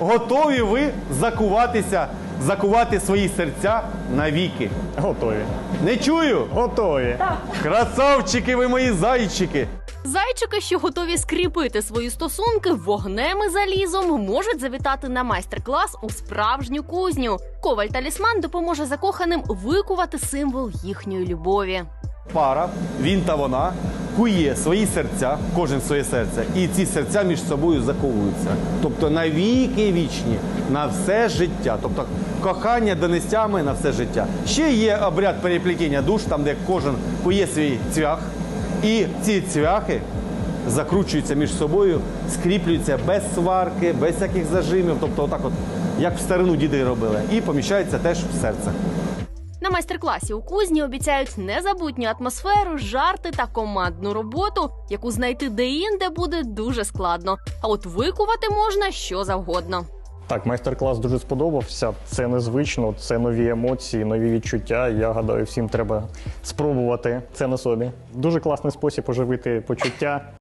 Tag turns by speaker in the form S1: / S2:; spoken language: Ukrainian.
S1: Готові ви закувати свої серця навіки?
S2: Готові.
S1: Не чую?
S2: Готові.
S1: Красавчики ви мої зайчики!
S3: Зайчики, що готові скріпити свої стосунки вогнем і залізом, можуть завітати на майстер-клас у справжню кузню. Коваль-талісман допоможе закоханим викувати символ їхньої любові.
S1: Пара, він та вона, кує свої серця, кожен своє серце, і ці серця між собою заковуються. Тобто навіки вічні, на все життя. Тобто кохання донестями на все життя. Ще є обряд переплетіння душ, там де кожен кує свій цвях, і ці цвяхи закручуються між собою, скріплюються без сварки, без всяких зажимів, тобто отак от, як в старину діди робили, і поміщаються теж в серце.
S3: На майстер-класі у кузні обіцяють незабутню атмосферу, жарти та командну роботу, яку знайти де-інде буде дуже складно. А от викувати можна що завгодно.
S2: Так, майстер-клас дуже сподобався. Це незвично, це нові емоції, нові відчуття. Я гадаю, всім треба спробувати це на собі. Дуже класний спосіб оживити почуття.